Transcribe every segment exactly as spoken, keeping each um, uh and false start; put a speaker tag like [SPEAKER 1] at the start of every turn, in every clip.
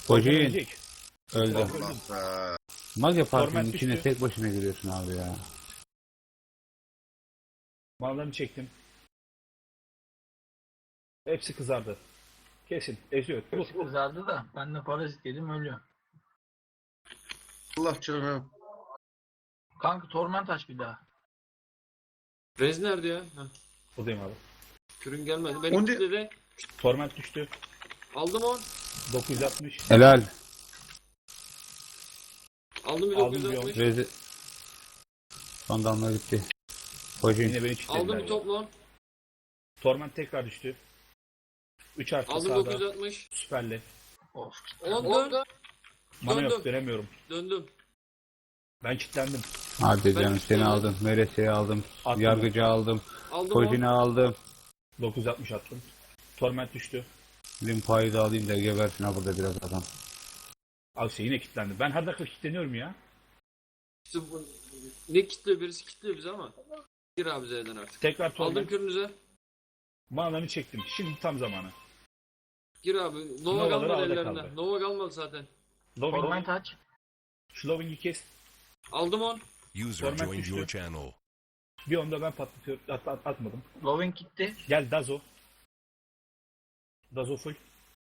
[SPEAKER 1] Volkan
[SPEAKER 2] Hocayın
[SPEAKER 1] ölecek.
[SPEAKER 2] öldü.
[SPEAKER 1] Volkan öldü.
[SPEAKER 3] Allah be.
[SPEAKER 2] Mage Park'ın
[SPEAKER 1] Torment
[SPEAKER 2] içine
[SPEAKER 1] düştü.
[SPEAKER 2] tek başına giriyorsun abi ya.
[SPEAKER 1] Mallarını çektim. Hepsi kızardı. Kesin. Eziyor. Vur.
[SPEAKER 4] Hepsi kızardı da ben de parazit yedim ölüyor.
[SPEAKER 3] Allah canım.
[SPEAKER 4] Kanka torment aç bir daha.
[SPEAKER 5] Rez nerede ya? Heh.
[SPEAKER 1] Buradayım abi.
[SPEAKER 5] Kürün gelmedi. Beni
[SPEAKER 3] Onca-
[SPEAKER 5] kilitledi.
[SPEAKER 1] Torment düştü.
[SPEAKER 5] Aldım on.
[SPEAKER 1] dokuz yüz altmış.
[SPEAKER 2] Helal.
[SPEAKER 5] Aldım bir
[SPEAKER 1] Aldım
[SPEAKER 5] dokuz yüz
[SPEAKER 1] bir
[SPEAKER 5] altmış.
[SPEAKER 2] Rezi. Son damla gitti. Hocayın.
[SPEAKER 1] Yine beni
[SPEAKER 5] Aldım
[SPEAKER 1] kilitlediler.
[SPEAKER 5] bir
[SPEAKER 1] ya.
[SPEAKER 5] toplu on.
[SPEAKER 1] Torment tekrar düştü. üç artı
[SPEAKER 5] Aldım
[SPEAKER 1] sağda.
[SPEAKER 5] dokuz yüz altmış.
[SPEAKER 1] Süperli.
[SPEAKER 4] Of.
[SPEAKER 5] on dön.
[SPEAKER 1] Mana yok,
[SPEAKER 5] Döndüm.
[SPEAKER 1] dönemiyorum.
[SPEAKER 5] Döndüm.
[SPEAKER 1] Ben kilitlendim.
[SPEAKER 2] Hadi
[SPEAKER 5] Ben
[SPEAKER 2] canım
[SPEAKER 5] üç
[SPEAKER 2] seni
[SPEAKER 5] tane-
[SPEAKER 2] aldım. Merese'yi aldım.
[SPEAKER 1] Attım.
[SPEAKER 2] Yargıcı aldım.
[SPEAKER 5] Aldım on.
[SPEAKER 2] Hocini aldım.
[SPEAKER 1] dokuz yüz altmış attım. Torment düştü.
[SPEAKER 2] Limpa'yı da alayım da gebersin ha burada biraz adam.
[SPEAKER 1] Al şey yine kilitlendim. Ben her dakika kilitleniyorum ya.
[SPEAKER 5] İşte bu, ne kitliyor birisi kitliyor bizi ama. Gir abi Z'den artık.
[SPEAKER 1] Tekrar
[SPEAKER 5] Aldım
[SPEAKER 1] torment.
[SPEAKER 5] kürünüze.
[SPEAKER 1] Manalarını çektim. Şimdi tam zamanı.
[SPEAKER 5] Gir abi. Nova
[SPEAKER 1] Novaları
[SPEAKER 5] kalmadı
[SPEAKER 1] havada
[SPEAKER 5] ellerinde.
[SPEAKER 1] kaldı.
[SPEAKER 5] Nova kalmadı zaten.
[SPEAKER 1] Loving,
[SPEAKER 4] Torment aç.
[SPEAKER 1] şu Loving'i kes.
[SPEAKER 5] Aldım on.
[SPEAKER 6] User
[SPEAKER 1] Format
[SPEAKER 6] joined
[SPEAKER 1] düştü.
[SPEAKER 6] your channel.
[SPEAKER 1] Bir onda ben patlatıyorum. At, at- atmadım.
[SPEAKER 4] Loving gitti.
[SPEAKER 1] Gel Dazo. Dazo full.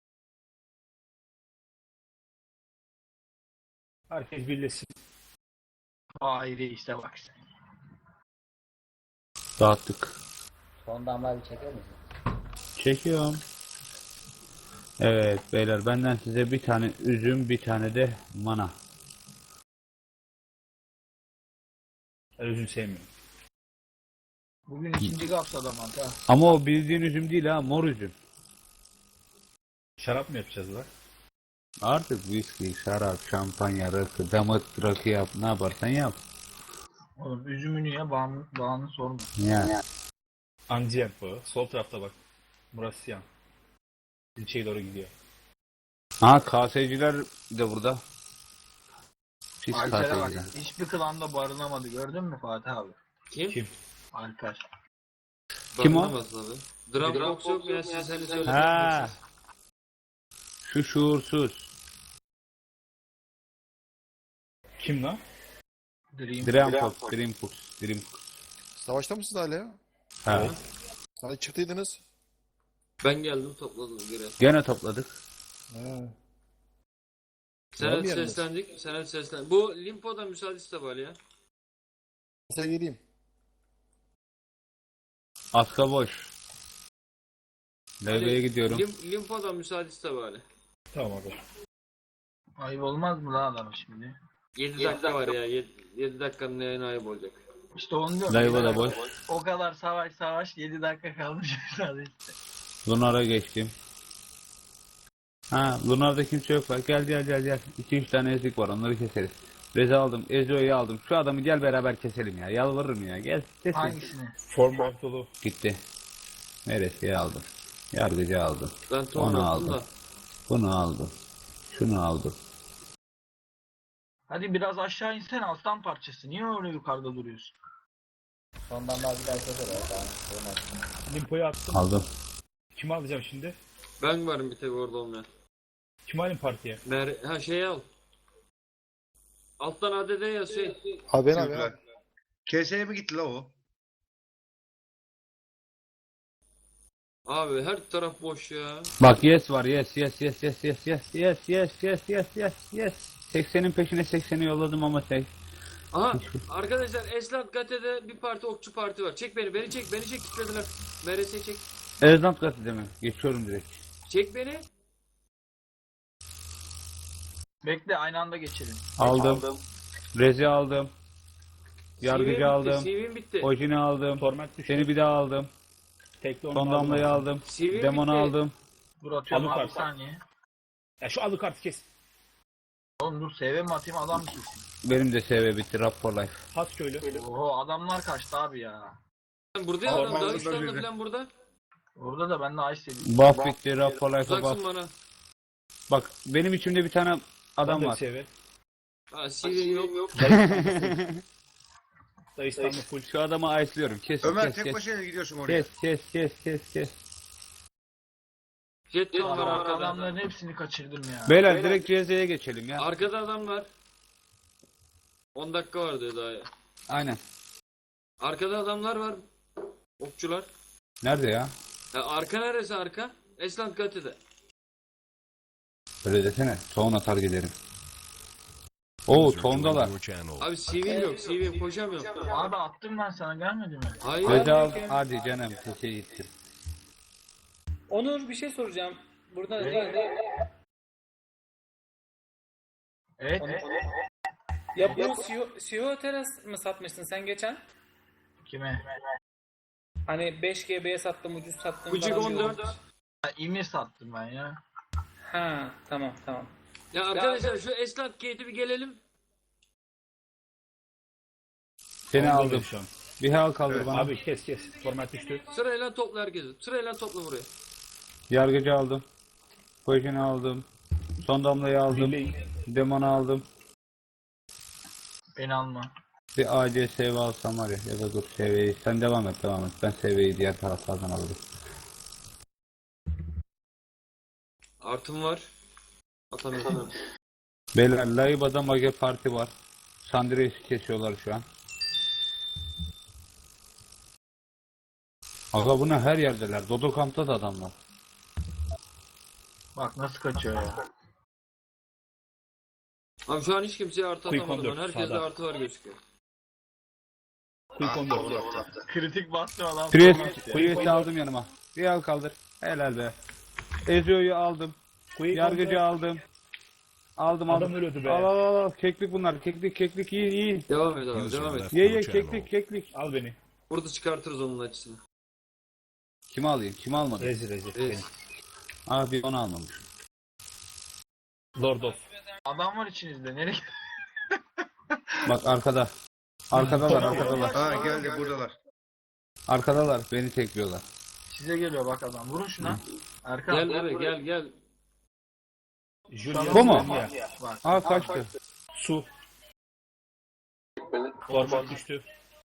[SPEAKER 1] Herkes birleşsin.
[SPEAKER 4] Hayır işte bak sen.
[SPEAKER 2] Dağıttık.
[SPEAKER 7] Son damlayı çeker misin?
[SPEAKER 2] Çekiyorum. Evet beyler benden size bir tane üzüm bir tane de mana.
[SPEAKER 1] Ben üzüm sevmiyorum.
[SPEAKER 4] Bugün ikinci kapsada mantığa.
[SPEAKER 2] Ama o bildiğin üzüm değil ha, mor üzüm.
[SPEAKER 1] Şarap mı yapacağız lan?
[SPEAKER 2] Artık viski, şarap, şampanya, rakı, damat rakı yap, ne yaparsan yap.
[SPEAKER 4] Oğlum üzümünü ye bağını, bağını sorma.
[SPEAKER 2] Yani.
[SPEAKER 1] Andiyen bu. Sol tarafta bak. Murasyan. İlçeye doğru gidiyor.
[SPEAKER 2] Ha K S'ciler de burada. Pis
[SPEAKER 4] Alper'e bak.
[SPEAKER 2] K S'ciler.
[SPEAKER 4] Hiçbir klanda barınamadı. Gördün mü Fatih abi?
[SPEAKER 5] Kim?
[SPEAKER 1] Kim?
[SPEAKER 4] Alper.
[SPEAKER 2] Kim o?
[SPEAKER 5] Barınamaz abi. Dropbox yok mu ya siz hani söylediniz.
[SPEAKER 2] Ha. Şu şuursuz.
[SPEAKER 1] Kim lan?
[SPEAKER 4] Dream.
[SPEAKER 2] Dreamfox, Dreamfox, Dreamfox.
[SPEAKER 8] Savaşta mısınız hala ya?
[SPEAKER 2] Ha.
[SPEAKER 8] Hani çıktıydınız?
[SPEAKER 5] Ben geldim topladım geri.
[SPEAKER 2] Gene topladık.
[SPEAKER 8] Ha. Var
[SPEAKER 5] Senet
[SPEAKER 8] mı yeriniz?
[SPEAKER 5] seslendik. Senet seslendik. Bu Limpo'da müsaade iste var ya.
[SPEAKER 8] Sen geleyim.
[SPEAKER 2] Aska boş. Levye'ye gidiyorum.
[SPEAKER 5] Lim, Limpo'da müsaade iste bari.
[SPEAKER 1] Tamam abi.
[SPEAKER 4] Ayıp olmaz mı lan adam şimdi?
[SPEAKER 5] yedi dakika var ya. yedi dakikanın neyine ayıp olacak.
[SPEAKER 4] İşte onu diyorum.
[SPEAKER 2] Levye da boş.
[SPEAKER 4] O kadar savaş savaş yedi dakika kalmış sadece.
[SPEAKER 2] Lunar'a geçtim. Ha, Lunar'da kimse yok bak. Gel gel gel gel. iki üç tane ezik var, onları keseriz. Reza aldım, Ezio'yu aldım. Şu adamı gel beraber keselim ya. Yalvarırım ya. Gel keselim.
[SPEAKER 4] Hangisini?
[SPEAKER 1] Form dolu.
[SPEAKER 2] Gitti. Neresi aldım? Yargıcı aldım.
[SPEAKER 5] Ben
[SPEAKER 2] Onu
[SPEAKER 5] topladım
[SPEAKER 2] aldım.
[SPEAKER 5] da.
[SPEAKER 2] Bunu aldım. Şunu aldım.
[SPEAKER 4] Hadi biraz aşağı insene aslan parçası. Niye öyle yukarıda duruyorsun?
[SPEAKER 7] Son damlayı bir daha çeker ya. Tamam. Olmaz.
[SPEAKER 1] Limpo'yu attım.
[SPEAKER 2] Aldım.
[SPEAKER 1] Kimi alacağım şimdi?
[SPEAKER 5] Ben varım bir tek orada olmayan.
[SPEAKER 1] Kimi alayım partiye?
[SPEAKER 5] Mer ha şey al. Alttan A D D yaz şey.
[SPEAKER 8] Abi ben abi.
[SPEAKER 3] Türkler.
[SPEAKER 8] abi.
[SPEAKER 3] K S'ye mi gitti la o?
[SPEAKER 5] Abi her taraf boş ya.
[SPEAKER 2] Bak yes var, yes yes yes yes yes yes yes yes yes yes yes yes. seksenin peşine sekseni yolladım ama tek.
[SPEAKER 5] Aha arkadaşlar Eslat Gate'de bir parti okçu parti var. Çek beni, beni çek, beni çek kitlediler. M R S çek.
[SPEAKER 2] Erzant gazetede mi? Geçiyorum direkt.
[SPEAKER 5] Çek beni.
[SPEAKER 4] Bekle aynı anda geçelim.
[SPEAKER 2] Aldım. Rezi aldım.
[SPEAKER 5] C V'm
[SPEAKER 2] Yargıcı
[SPEAKER 5] bitti,
[SPEAKER 2] aldım.
[SPEAKER 5] C V'm bitti.
[SPEAKER 2] Hojini aldım.
[SPEAKER 1] Torment düştü.
[SPEAKER 2] Seni bir daha aldım.
[SPEAKER 1] Tekli onu
[SPEAKER 2] Son
[SPEAKER 1] aldım
[SPEAKER 2] damlayı
[SPEAKER 1] abi.
[SPEAKER 2] aldım.
[SPEAKER 5] C V'm
[SPEAKER 2] Demon'u
[SPEAKER 5] bitti.
[SPEAKER 2] aldım.
[SPEAKER 4] Dur atıyorum
[SPEAKER 1] Alık
[SPEAKER 4] abi
[SPEAKER 1] artık.
[SPEAKER 4] bir saniye.
[SPEAKER 1] Ya şu alı kartı kes.
[SPEAKER 4] Oğlum dur S V mi atayım adam mı kesin?
[SPEAKER 2] Benim de S V bitti. Rap for life.
[SPEAKER 1] Has köylü.
[SPEAKER 4] Oho adamlar kaçtı abi ya.
[SPEAKER 5] Burada ya
[SPEAKER 1] Aa,
[SPEAKER 5] adam
[SPEAKER 1] ben burada
[SPEAKER 5] Dağıstan'da
[SPEAKER 1] birine.
[SPEAKER 5] falan burada.
[SPEAKER 4] Orada da ben de ice yedim.
[SPEAKER 2] Buff bitti. Rap for life'a
[SPEAKER 5] Uzaksın
[SPEAKER 2] buff.
[SPEAKER 5] bana.
[SPEAKER 2] Bak benim içimde bir tane adam var.
[SPEAKER 1] Sever.
[SPEAKER 5] Ha C V'm yok. yok.
[SPEAKER 1] Dayıstanlı full.
[SPEAKER 2] Şu adamı ice'lıyorum. Kes
[SPEAKER 3] Ömer
[SPEAKER 2] kes
[SPEAKER 3] tek
[SPEAKER 2] kes.
[SPEAKER 3] başına gidiyorsun oraya.
[SPEAKER 2] Kes kes kes kes kes.
[SPEAKER 5] Jetton var
[SPEAKER 4] Adam-
[SPEAKER 5] arkada.
[SPEAKER 4] Adamların hepsini kaçırdım ya.
[SPEAKER 2] Beyler direkt C Z'ye geçelim ya.
[SPEAKER 5] Arkada adam var. on dakika var diyor daha ya.
[SPEAKER 2] Aynen.
[SPEAKER 5] Arkada adamlar var. Okçular.
[SPEAKER 2] Nerede ya?
[SPEAKER 5] Ya arka neresi arka? Esland Gate'de.
[SPEAKER 2] Öyle desene. Tohum atar giderim. Oo tohumdalar.
[SPEAKER 5] Abi C V'm yok. C V'm koşamıyorum.
[SPEAKER 4] Abi attım ben sana, gelmedi mi?
[SPEAKER 5] Hayır.
[SPEAKER 2] Reza al. Hadi canım. Sese gitsin.
[SPEAKER 6] Onur bir şey soracağım. Burada herhalde
[SPEAKER 4] Evet.
[SPEAKER 6] ya bu C E O, C E O teras mı satmıştın sen geçen?
[SPEAKER 4] Kime?
[SPEAKER 6] Hani beş G B'ye sattım, ucuz sattım.
[SPEAKER 5] Kucuk
[SPEAKER 6] falan
[SPEAKER 5] on
[SPEAKER 6] diyordun.
[SPEAKER 5] dört.
[SPEAKER 4] Ha, İmir sattım ben ya.
[SPEAKER 6] Ha tamam tamam.
[SPEAKER 5] Ya arkadaşlar şu Esland Gate'e bir gelelim.
[SPEAKER 2] Seni
[SPEAKER 1] Aldım
[SPEAKER 2] aldım.
[SPEAKER 1] şu an.
[SPEAKER 2] Bir hal kaldır bana.
[SPEAKER 1] Abi kes kes. Format düştü.
[SPEAKER 5] Sırayla topla herkesi. Sırayla topla buraya.
[SPEAKER 2] Yargıcı aldım. Poison'u aldım. Son damlayı aldım.
[SPEAKER 1] Birliğin.
[SPEAKER 2] Demon'u aldım.
[SPEAKER 4] Beni alma.
[SPEAKER 2] Bir A C S V alsam var ya. Ya da dur S V'yi. Sen devam et devam et. Ben S V'yi diğer taraflardan alırım.
[SPEAKER 5] Artım var. Atamıyorum.
[SPEAKER 2] Beyler Laiba'da Mage Parti var. Sandres'i kesiyorlar şu an. Aga buna her yerdeler. Dodo kampta da adamlar.
[SPEAKER 4] Bak nasıl kaçıyor ya.
[SPEAKER 5] Abi şu an hiç kimseye artı
[SPEAKER 1] Quick
[SPEAKER 5] atamadım ben.
[SPEAKER 1] on dört,
[SPEAKER 5] Herkeste
[SPEAKER 1] sağda.
[SPEAKER 5] artı var gözüküyor.
[SPEAKER 1] Quick on dört.
[SPEAKER 4] Kritik bastı adam.
[SPEAKER 2] Priest, Priest'i aldım yanıma. Bir al kaldır. Helal be. Ezio'yu aldım.
[SPEAKER 1] Quick on
[SPEAKER 2] Yargıcı
[SPEAKER 1] dört.
[SPEAKER 2] aldım. Aldım aldım.
[SPEAKER 1] Adam ölüyordu be.
[SPEAKER 2] Al al al al. Keklik bunlar. Keklik keklik iyi iyi.
[SPEAKER 5] Devam et abi devam et.
[SPEAKER 2] Ye ye keklik keklik.
[SPEAKER 1] Al beni.
[SPEAKER 5] Burada çıkartırız onun açısını.
[SPEAKER 2] Kimi alayım? Kimi almadım?
[SPEAKER 1] Rezil rezil.
[SPEAKER 5] Evet.
[SPEAKER 1] Beni.
[SPEAKER 2] Abi onu almamış.
[SPEAKER 1] Lord of.
[SPEAKER 4] Adam var içinizde. Nereye?
[SPEAKER 2] Bak arkada. Arkadalar arkadalar.
[SPEAKER 3] Ha geldi buradalar.
[SPEAKER 2] Arkadalar beni tekliyorlar.
[SPEAKER 4] Size geliyor bak adam. Vurun şuna. Erkan.
[SPEAKER 5] Gel buraya gel gel.
[SPEAKER 1] Julian
[SPEAKER 2] Bu mu?
[SPEAKER 1] Zenya.
[SPEAKER 4] Bak.
[SPEAKER 2] Aa kaçtı.
[SPEAKER 1] Su. Format düştü.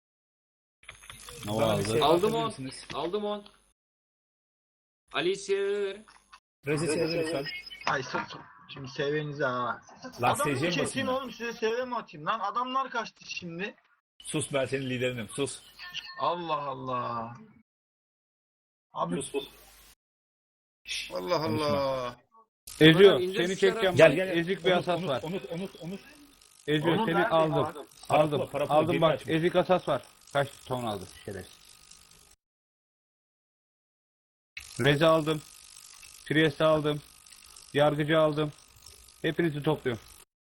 [SPEAKER 2] Nova
[SPEAKER 1] Bana bir
[SPEAKER 2] aldı.
[SPEAKER 1] şey
[SPEAKER 5] Aldım on.
[SPEAKER 1] atabilirsiniz.
[SPEAKER 5] Aldım on. Alicia'ya ver.
[SPEAKER 1] Rezil sevdi lütfen.
[SPEAKER 4] Ay sırt. Şimdi sevenize ha.
[SPEAKER 1] Lan
[SPEAKER 4] Adamı
[SPEAKER 1] S C mi
[SPEAKER 4] keseyim
[SPEAKER 1] basayım?
[SPEAKER 4] oğlum, size seve mi atayım lan? Adamlar kaçtı şimdi.
[SPEAKER 1] Sus, ben senin liderinim. Sus.
[SPEAKER 4] Allah Allah. Abi
[SPEAKER 1] Sus sus.
[SPEAKER 3] Allah Allah.
[SPEAKER 2] Ezio
[SPEAKER 5] Bana ince
[SPEAKER 2] seni
[SPEAKER 5] sıçrar
[SPEAKER 2] çekeceğim.
[SPEAKER 1] Gel gel.
[SPEAKER 2] Ezik bir asas var.
[SPEAKER 1] Onur Onur Onur.
[SPEAKER 2] Ezio
[SPEAKER 4] Onu
[SPEAKER 2] seni
[SPEAKER 4] nerede
[SPEAKER 2] aldım.
[SPEAKER 4] var?
[SPEAKER 2] Aldım.
[SPEAKER 1] Parapla, parapla,
[SPEAKER 2] Aldım
[SPEAKER 1] birini
[SPEAKER 2] bak
[SPEAKER 1] açmış.
[SPEAKER 2] ezik asas var. Kaç ton aldı şerefsiz. Reza aldım. Priest'i aldım. Yargıcı aldım. Hepinizi topluyorum.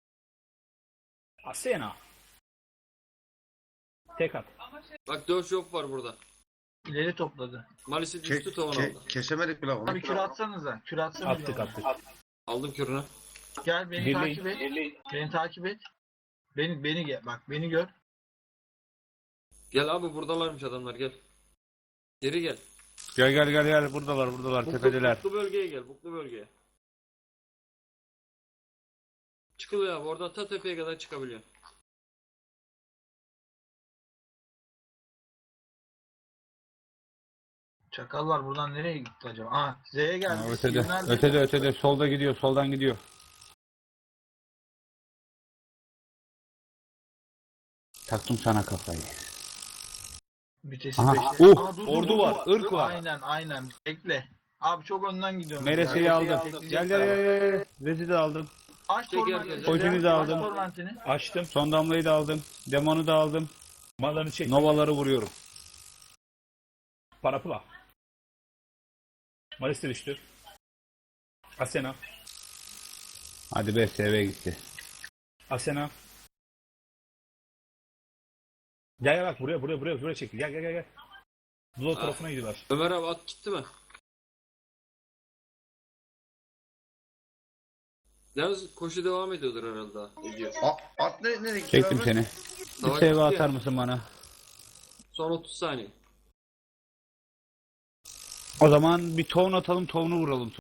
[SPEAKER 1] Asena. Tek at.
[SPEAKER 5] Bak dört yok var burada.
[SPEAKER 4] ileri topladı.
[SPEAKER 5] Malisi
[SPEAKER 3] Ke
[SPEAKER 5] düştü tavan
[SPEAKER 3] ke
[SPEAKER 5] aldı.
[SPEAKER 3] kesemedik bile onu.
[SPEAKER 4] Abi kür atsanıza. Kür atsanıza.
[SPEAKER 1] Attık attık.
[SPEAKER 5] Aldım kürünü.
[SPEAKER 4] Gel beni
[SPEAKER 1] Birliğin.
[SPEAKER 4] takip et. Beni takip et. Beni beni gel. Bak beni gör.
[SPEAKER 5] Gel abi buradalarmış adamlar gel. Geri gel.
[SPEAKER 2] Gel gel gel gel buradalar buradalar
[SPEAKER 5] Buklu,
[SPEAKER 2] tepedeler.
[SPEAKER 5] buklu bölgeye gel. Buklu bölgeye. Çıkılıyor abi. Oradan ta tepeye kadar çıkabiliyor.
[SPEAKER 4] Çakallar buradan nereye gitti acaba? Aa Z'ye geldi.
[SPEAKER 2] Ha, ötede,
[SPEAKER 4] Siz nerede?
[SPEAKER 2] ötede ötede solda gidiyor soldan gidiyor. Taktım sana kafayı.
[SPEAKER 4] Vitesi
[SPEAKER 2] Aha,
[SPEAKER 4] beşte.
[SPEAKER 2] uh,
[SPEAKER 4] Aa, dur, dur,
[SPEAKER 2] ordu
[SPEAKER 4] dur,
[SPEAKER 2] var,
[SPEAKER 4] dur.
[SPEAKER 2] ırk var.
[SPEAKER 4] Aynen aynen. Bekle. Abi çok önden gidiyorum.
[SPEAKER 2] Merese'yi
[SPEAKER 4] Ya.
[SPEAKER 2] aldım.
[SPEAKER 4] Bekleyecekler.
[SPEAKER 2] Gel gel gel gel. Rezi de aldım.
[SPEAKER 4] Aç
[SPEAKER 5] Çek
[SPEAKER 4] tormentini.
[SPEAKER 5] herkes.
[SPEAKER 2] Poison'u da aldım.
[SPEAKER 4] Aç tormentini.
[SPEAKER 1] Açtım.
[SPEAKER 2] Son damlayı da aldım. Demonu da aldım.
[SPEAKER 1] Mallarını çek.
[SPEAKER 2] Novaları vuruyorum.
[SPEAKER 1] Parapla. Malis de düştü. Asena.
[SPEAKER 2] Hadi be S V gitti.
[SPEAKER 1] Asena. Gel gel bak buraya buraya buraya buraya çekti. Gel gel gel gel. Blow
[SPEAKER 5] Ah.
[SPEAKER 1] tarafına gidiyorlar.
[SPEAKER 5] Ömer abi at gitti mi? Yalnız koşu devam ediyordur herhalde daha. Ediyor.
[SPEAKER 3] A at ne nereye gitti
[SPEAKER 2] Çektim
[SPEAKER 3] abi?
[SPEAKER 2] seni. Bir
[SPEAKER 5] Savaş
[SPEAKER 2] S V
[SPEAKER 5] bitti
[SPEAKER 2] atar
[SPEAKER 5] ya.
[SPEAKER 2] mısın bana?
[SPEAKER 5] Son otuz saniye.
[SPEAKER 2] O zaman bir tohum atalım tohumunu vuralım.